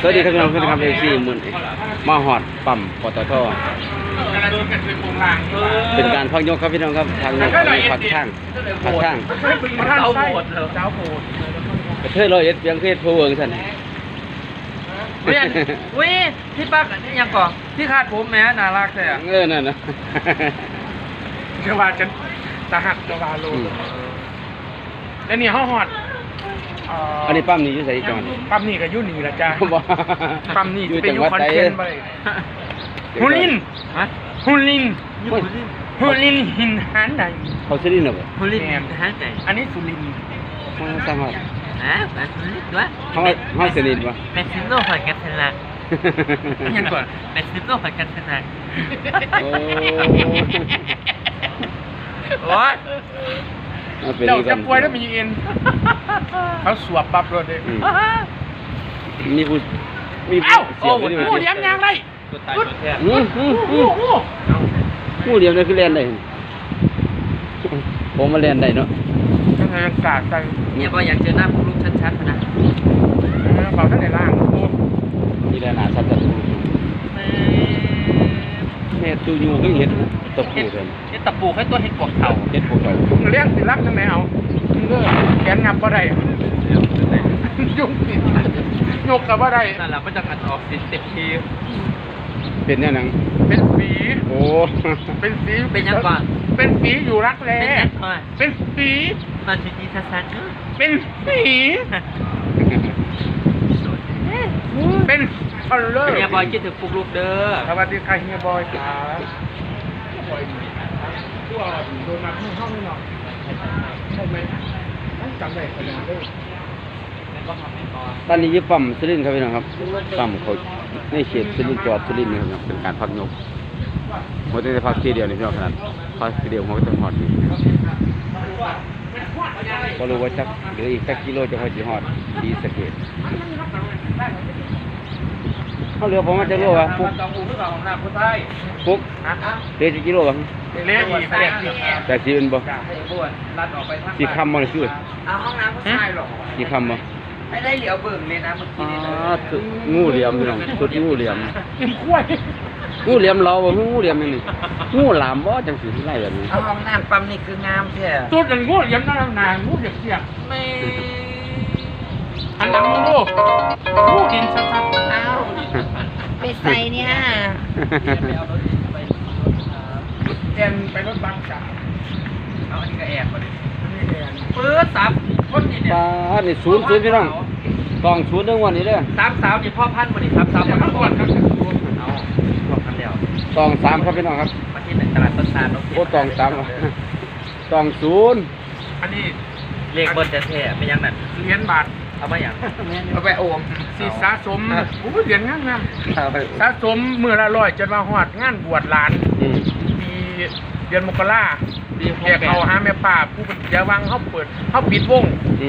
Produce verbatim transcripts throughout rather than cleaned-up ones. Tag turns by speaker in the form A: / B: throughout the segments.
A: สวัสดีครับพี่น้องเพื่อนครับเอซีมือมาหอดปั๊มปตทเป็นการพักยกครับพี่น้องครับทางยกพักข้างพักข้าง
B: เจ้าโบดเจ้าโบด
A: กระเทยร้อยเอ็ดยังเคยพูดเองสัน
B: เวียนวิที่ปักนี่ยังก่อนที่คาดผมแม้น่ารักแต่
A: เออนั่นนะ
B: เชื่อว่าฉันจะหักจะวาโลแล้วนี่ห้องหอด
A: อันนี้ปั๊มนี่อยู่ใส่จอน
B: ปั๊มนี่ก็ยุ่นนี่แหละจ้าปั๊มนี่ไปอยู่คอนเทนต์ไปฮุลินฮุลินฮุลินหินหันไหน
A: เขาสุรินทร์เหรอ
B: ฮุลินหันไหนอันนี้สุรินทร์
A: ห้องสังหาร
C: ฮะแบบนี้ด้วย
A: ห้องห้องสุรินทร์วะ
C: เป็นซิโน่ผ่านกันชนะ
B: ยังก่อน
C: เป็นซิโน่ผ่านกันชนะ
A: โอ้
B: โอ้ยเจ้าจะป่วยแล้วมีเอ็นเขาสวบปั๊บเลย
A: มีผู้มี
B: ผู้เอ้าโอ้โหผู้เลี้ยงยังไร
A: ตัวตายตัวแทนงูงูงูงูเลี้ยงได้คือเล่นได้ผมมาเล่นได้เนาะ
B: ยังไงยังกาดใจ
C: เนี่ยพออยากเจอหน้าพวกลูกชัดๆนะ
B: เบาท่านไหนล่าง
A: นี่แหละหนาชัดๆแม่ตูยูก็เห็นตะปูเห็น
C: เห็นตะปูให้ตัวเห็นปวกเข่า
A: เห็นปวกเข่า
B: เลี้ยงสิรับจังไหนเอาเลือแขนงับบ่ได้ยุ่งสิยกกับบ่ได้
C: นั่นแหละมันจะกัดออกสิเต็มที
A: เป็นเนี่ยนัง
B: เป็นฝี
A: โอ้
B: เป็นฝี
C: เป็นยังก่อน
B: เป็นฝีอยู่รักแร้เป็นฝี
C: ตอนที่ดีสัส
B: ๆเป็นฝีเป็นคอลเลอร์
C: เฮียบอยคิดถึงปลุกลูกเด้อ
B: สวัสดีค่ะเฮียบอยครับตัวโดนมาห้องนี่หน่อยใช่ไหมจำได้ขนาดนี้
A: ตอนนี้ยึดปั๊มสุรินทร์ครับพี่น้องครับปั๊มเขาในเขตสุรินทร์จอดสุรินทร์นี่ครับเป็นการพักยกหัวใจพักทีเดียวนี่พี่น้องขนาดพักทีเดียวหัวจะหอดนี่ก็รู้ว่าจักเดี๋ยวอีกสักกิโลจะพอจะหอดดีสเกตเขาเรือผมว่าจะรู้ว่าปุ๊บปุ๊บเรือจะกิโลบ้าง
B: เลี้ยงอีกแปดสิบ
A: แปดสิบเป็นบ่สี่คำมันชื่อ
C: เอาห้องน้ำผู้ชายหรอ
A: สี่คำบ่
C: ไม่ได้เหลียวเบิ่งเลยนะเมื่อกี้
A: นี่งูเหลี่ยมพี่น้องสุดงูเหลี่ยม
B: กินกล้วย
A: งูเหลี่ยมเราบ่งูเหลี่ยมนี่งูหลามบ่จังสิไล่แบบนี้
C: เอาห้องน้ำปั๊มนี่คืองามแท้
B: สุดงูเหลี่ยมนั่นนางงูเหลี่ยมเสียบ
C: ไม่
B: อันนั้นงูงูดินชัดๆ
C: อ้าวไปใส่เนี่ย
B: แอนไปรถบัสจ้ะ
C: เอาอันนี้ก็แอบมาดิ
B: ปื๊ดสับคนนี่เนี่ย
A: ป้านี่ศูนย์ศูนย์พี่น้องกองศูนย์เรื่องวันนี้เด้อ
C: สามสาวนี่พ่อพันธุ์มาดิสามสาวพ่อพันธุ์ก่อนครับเอาบอกกันแล้ว
A: กองสามครับพี่น้องครับ
C: มาที่ตลาดต้นตาล
A: โอ้กองสามกองศูนย์
B: อันนี้
C: เลขเบิร์ดแท้ๆไม่ยังนั่น
B: เหรียญบาท
C: เอามาอย่าง
B: เอาไปโอมสีสะสมโอ้เหรียญงามๆสะสมเมื่อละร้อยจนมาหอดงานบวชหลานปีเดือนมกราแขกเขาหาแม่ป่าผู้เป็นยาวังเขาเปิดเขาปิดวง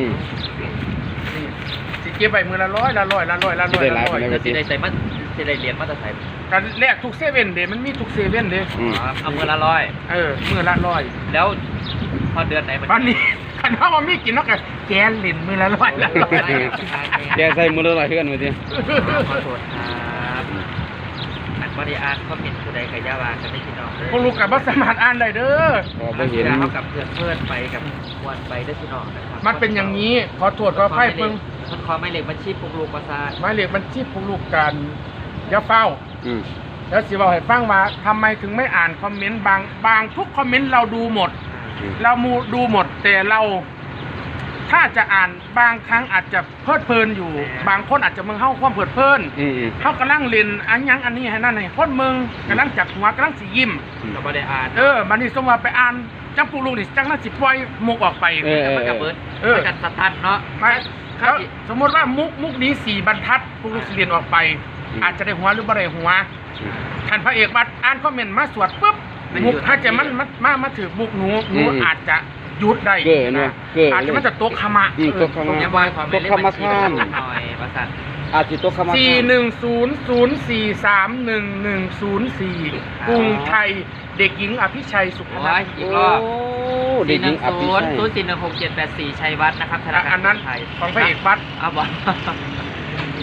B: สิเก็บไปมือละร้อยละร้อยละร้อยละร้อยละร้อย
C: สิได้ใส่มาสิได้เหรียญมาตรฐาน
B: การแลกทุกเซเว่นเดมันมีทุกเซเว่นเด
C: เอามือละร้อย
B: เออมือละร้อย
C: แล้วพอเดือนไหน
B: วันนี้ขันข้าวมันมีกินแล้วกันแกนหลินมือละร้อยละร้อย
A: แกใส่มือละร้อยเพื่อนมาดิ
C: ขอโทษครับอันบริอาร์เขาเป็นผู้ใดกับยาวากันไม่พี่น้อง
B: พวกลูกกับบัสมาร์ทอ่านได้เด้อ
A: พอเห็น
C: เขากับเพื่อนเพื่อนไปกับวันไปได้พี่น้องนะครับ
B: มันเป็นอย่างนี้ขอตรวจขอไพ่เพิ่ง
C: มันขอไม่เหล็กบัญชีพวกลูกประสาท
B: ไม่เหล็กบัญชีพวกลูกกันยาเฝ้าแล้วสิบอกให้ฟังว่าทำไมถึงไม่อ่านคอมเมนต์บางบางทุกคอมเมนต์เราดูหมดเรามูดูหมดแต่เราถ้าจะอ่านบางครั้งอาจจะเพลิดเพลินอยู่บางคนอาจจะมึงเข้าความเพลิดเพลินเข้ากำลังเล่นอันยังอันนี้ให้นั่นให้คนมึงกำลังจับหัวกำลังสียิ้ม
C: เราไม่ได้อ่าน
B: เออมันนี่สมว่าไปอ่านจังปูลุงนี่จังน่าสิปล่อยมุกออกไป
C: มันกับเบิร์ดเออจัดสตันเนาะ
B: ไม่แล้วสมมติว่ามุกมุกนี้สี่บรรทัดปูลุงเรียนออกไปอาจจะได้หัวหรือไม่ได้หัวท่านพระเอกบัดอ่านคอมเมนต์มาสวดปุ๊บมุกถ้าจะมันมามาถือบุกหนูหนูอาจจะหยุดได้อาจจะมันจะตกขมะ
A: ตกขมะตกขมะท่านอาจจะตกขมะ
B: สี่หนึ่งศูนย์ศูนย์สี่สามหนึ่งหนึ่งศูนย์สี่กรุงไทยเด็กหญิงอภิชัยสุขนันท์
C: อีกรอบเด็กหญิงอภิชัยศูนย์สี่หนึ่งหกเจ็ดแปดสี่ชัยวัฒน์นะครับธนาคาร
B: อันนั้นของพระเอกวัด
C: อ้าวบอก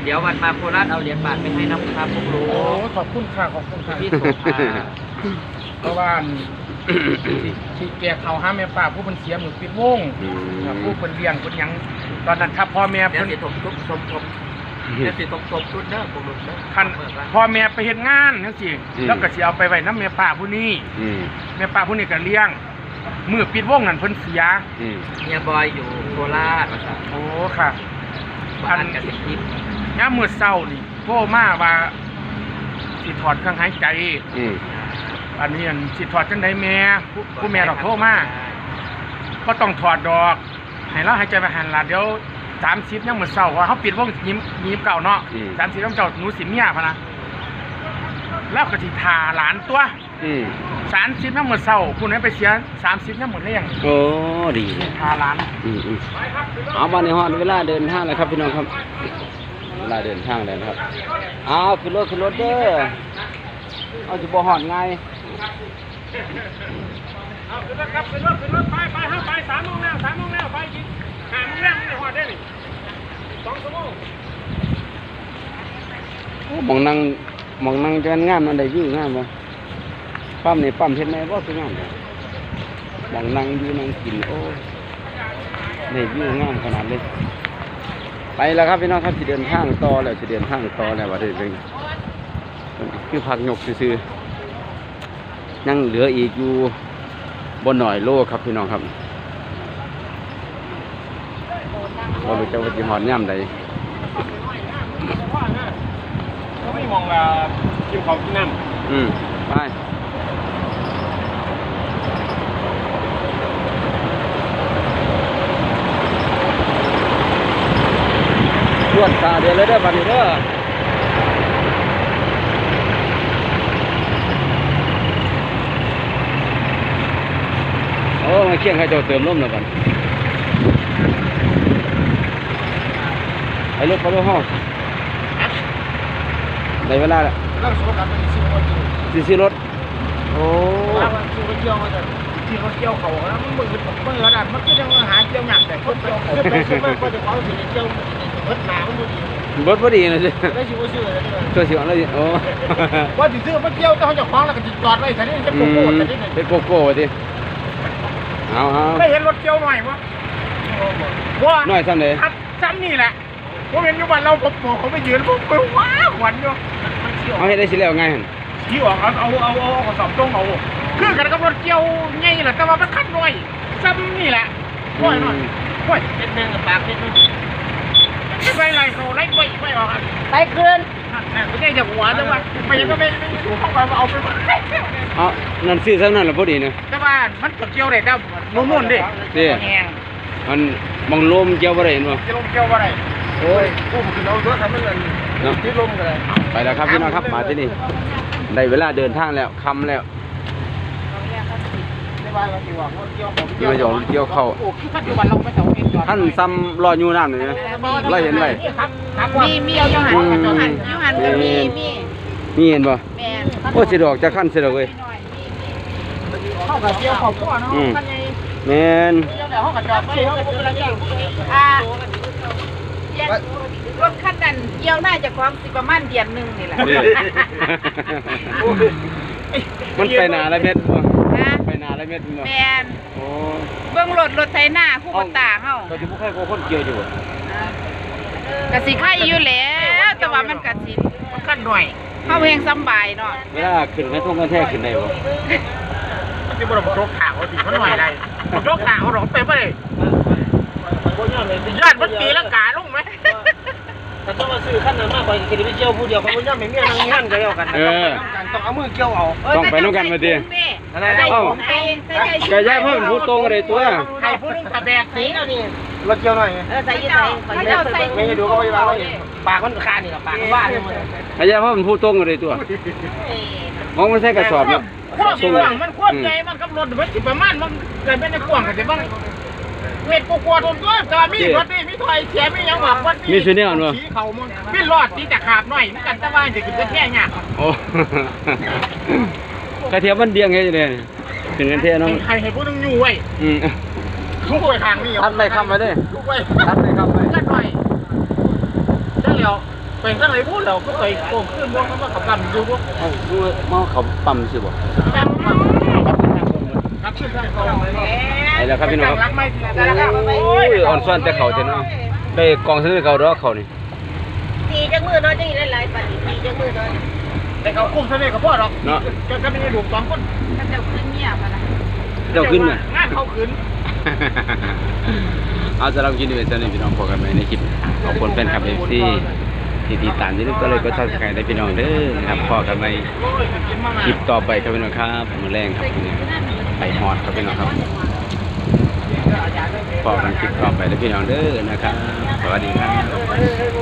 C: เดี๋ยววันมาโคราชเอาเหรียญบาทไปให้น้ำครับพวกรู้
B: โอ้ขอบคุณค่ะขอบคุณค่ะ
C: พี่โสภา
B: เพราะว่าที่ที่แกเขาห้าแม่ป้าผู้เป็นเสียมือปิดวง
A: อืม
B: ผู้เป็นเลี้ยงเป็นหยังตอนนั้นถ้าพ่อแม่
C: เดี๋ยว
B: เพิ่น
C: สิทบทุกสมทบเดี๋ยวสิทบทบทุนเด้อพวกรู้เด้อ
B: คันพ่อแม่ไปเฮ็ดงานจังซี่แล้วก็สิเอาไปไว้นำแม่ป้าผู้นี้
A: อืม
B: แม่ป้าผู้นี้ก็เลี้ยงมือปิดวงนั่นเพิ่นเสีย
A: อืม
C: เฮียบอยอยู่โคราชภาษา
B: โอ้ค่ะ
C: บ้านกสิทิพย์
B: ยามมื้อเช้านี่โทรมาว่าสิถอดเครื่องหายใจ
A: อืม
B: อันนี้อันสิถอดจังไดแม่ผู้ผู้แม่ดอกโทรมาก็ต้องถอดดอกให้เราหายใจไปหันล่ะเดี๋ยวสามสิบยังมื้อเช้าว่าเฮาปิดวงยิ้มยิ้มเก่าเนาะสามสิบยังเจ้าหนูสิเมียพะนะแล้วก็สิทาหลานตัว
A: อืม
B: สามสิบยังมื้อเช้าผู้นั้นไปเสียสามสิบยังมื้อแรง
A: โอ้ดีเลย
B: ทาหลาน
A: อืมอืมเอามาในฮอดเวลาเดินทางแล้วครับพี่น้องครับ เวลาเดินทางแล้วนะครับเอาขึ้นรถขึ้นรถเด้อเอาจะบ่ฮอดไง
B: เอาขึ้นรถครับขึ้นรถขึ้นรถไปไปเฮาไปสามโมงแล้วสามโมงแล้วไปกินห้าโมงแล้วไม่ได้ฮอดได้นี่สองชั่วโมง
A: โอ้หมองนั่งหมองนั่งจะงามอันใดวิวงามบ่ปั๊มนี่ปั๊มเฮ็ดแม่บ่คืองามบ่หมองนั่งอยู่นั่งกินโอ้ได้วิวงามขนาดเลยไปแล้วครับพี่น้องครับสิเดินทางต่อแล้วสิเดินทางต่อแล้วว่าได้เป็นคือพักยกซื่อๆยังเหลืออีกอยู่บ่หน่อยโลครับพี่น้องครับบ่รู้จักว่าสิฮอดยามใด
B: เขาไม่มองว่ากินของกินน้ำ
A: อืมไปรวดตาเดียวเลยเด้อบัดนี้เด้อโอ้มาเคียงให้เจ้าเติมลมแล้วกันไอ้รถไปรถห้องได้เวลาแล้ว
B: เราสวนกันเป็นสิบคนอยู่
A: สิซื้อรถโอ้
B: ว่ามันสิบคนเกี่ยวมาแต่ที่เขาเกี่ยวเขาแล้วมันมือมือขนาดมันก็ยังหาเกี่ยวหนักแต่คนเกี่ยวเขาไม่ใช่ไม่ก็จะเขาสิเกี่ยวรถหนามันดูดี
A: รถพอดีนะสิ
B: ได้ชิวชื่อเลยนี่
A: ตัวสิวอะไรสิโอ้
B: ว่าสิซื้อมันเกี่ยวแต่เขาจะคล้องแล้วก็จอดไว้แต่นี่จะ
A: อื
B: โกโก้
A: ม
B: แต่นี่
A: เป็นโกโก้สิเอาเอา
B: ไม่เห็นรถเกี่ยวหน่อยวะว่า
A: น้อยซ้ำเลย
B: ครับซ้ำนี่แหละผมเห็นอยู่บ้านเราผมบอกเขาไปยืนผมไปว้าวหวันอยู่
A: เอาให้ได้สิแล้วไงหั่น
B: ที่ออกเอาเอาเอาเอากระสอบตรงเอาคือกันกับรถเกี่ยวไงแหละแต่ว่ามันคันน้อยซ้ำนี่แหละน้อยหน่อยน้อย
C: เล็ดนึงกับปากเล็ดนึง
B: ไม่ไปไรเขาไล่ไว้ไม่ออกอ่ะ
D: ไปคืน
B: ไม่ได้จากหัวแต่ว่าไปยังก็ไม่ไม่ถูกเข้าไปเอาไปหมด
A: เอานั่นซื้อซ้ำนั่นละพอดีนะ
B: แต่ว่ามันก็เกี่ยวได้แต่มุ่นๆดิ
A: เด้
B: แห้ง
A: มันมองลมเกี่ยวบ่ได้เห็นบ่
B: จะลงเกี่ยวว่าไร
A: โอ้ย
B: กูมันคือเอาเยอะทำให้เงิน
A: เนาะ
B: ที่ลมกันเลย
A: ไปแล้วครับพี่น้องครับมาที่นี่ได้เวลาเดินทางแล้วค่ำแล้ว
B: ไม่ว่าเราที่ว่าเกี่ยวของ
A: เกี่ยวหยองเกี่ยวเข้า
B: โอ้คือปัจจุบันเราไม่ต้องเกี่ยว
A: ท่านซ้ำรออยู่น้ำเลยนะเราเห็นไว้
B: ครับครับ
D: มีมีเอาอยู่หันอยู่หันอยู่หันก็มีมี
A: นี่เห็นบ่
D: แม่น
A: โอ้สิดอกจะขั้นสิดอกเว้ย
B: เข้ากับเกี่ยวของพ่อเนาะ
A: อืม
B: กันไง
A: แม่น
B: เกี่ยวแต่ห้องกับจอดไปเขาเป็นอะไรอย่าง
D: อ่าเย็นรถคันนั้นเกี่ยวน่าจะความสิประมาณเดือนหนึงนี่แหละ
A: มันไปหนาละเม็ดบ่
D: นะ
A: ไปหนาละเม็ดบ่
D: แม่น
A: โอ้
D: เบิ่งรถรถไถนาคู่บ่ตาเฮา
A: ก็สิบ่เคยโกคนเกี่ยวอยู่บ่
D: ก็สิไข่อยู่แล้วแต่ว่ามันก็สิ
B: มันกันหน่อย
D: เฮาเฮงสำบายเนาะ
A: เวลาขึ้นกระทงกันแท้ขึ้นได้บ่
B: มันจะบรมโรคขาวสิมันหน่อยอะไรโรคขาวหรอไปไม่ได้ญาติมันตีละกาลงไหม
C: ถ้าต้องมาซื้อขั้นนั้นมากกว่ากินไปเที่ยวผู้เดียวเขาไม่ย่อมไม่เมียนั่งงานก็แล้วกัน
A: เออ
B: ต้องเอามือเกี่ยวเอา
A: ต้องไปน้ำกันมาดิ
D: อะไรนะ
A: เอ้า ไก่ย่างเพิ่มผู้ตรงอะไรตัว
B: ใครพูดเรื่องตะแบกสีแล้วนี่รถเกี่ยวหน่อย
D: เออใส่ยี่ใส่ใส่
B: ไม่ให้ดูก็ไม่ว่าปากมันคานี่หรอปากว่าเนี่ยมัน
A: ไก่ย่างเพิ่มผู้ตรงอะไรตัวมองมันใส่กระสอบเนาะ
B: ควบกว้างมันควบใหญ่มันกับรถมันสิประมาณมันเกิดเป็นในกว้างกันแต่บ้างเม็ดกูกลัวโดนด้วยแต่มีรถนี่มีถอยเสียมียังหวังวันนี้สีเขามันมีรอดที่จะขาดหน่อยนี่กันแต่ว่าจะกินก็แค่เนี้ย
A: โอ้กระเทียมมันเดียงไงเนี่ยถึงกันเท่น้อง
B: ใครให้พูดนึงอยู่ไว้
A: อืม
B: ทุกไว้ทางนี้
A: ทัดไปคำไปเด้
B: ทุกไว้
A: ทัดไปคำไป
B: กันหน่อยได้แล้วไปข้างไหนพูดเราก็ไปโกงขึ้นพวกเขาก็ขับกันอยู่พวก
A: เอ้าดูมาเขาปั๊มสิบ่
B: ครับขึ้นทางตรง
A: ไอ้แล้วครับพี่น้องครับโอ้ยอ่อนซ่อนแต่เขาแต่เนาะได้กองซื้อเขาดอกเขานี่
D: ตีจังมือน้อยจังหลายๆปันตีจังมือน้อย
B: แต่เขาคุ้มเท่านี้กับพ่อหรอกจะจะมีลูกสองคน
D: ถ้าเจ้าขึ้นเงียบนะ
A: เจ้าขึ้นน่ะ
B: งานเขาขึ้น
A: เอาสำหรับคลิปนี้เป็นเท่านี้พี่น้องพบกันใหม่ในคลิปขอบคุณแฟนคลับ เอฟ ซี ที่ติดตามที่นี่ก็เลยก็ทักทายได้พี่น้องเด้อนะครับพอกันในคลิปต่อไปครับพี่น้องครับมื้อแรงครับพี่น้องไปฮอดครับพี่น้องครับพอกันคลิปต่อไปได้พี่น้องเด้อนะครับสวัสดีครับ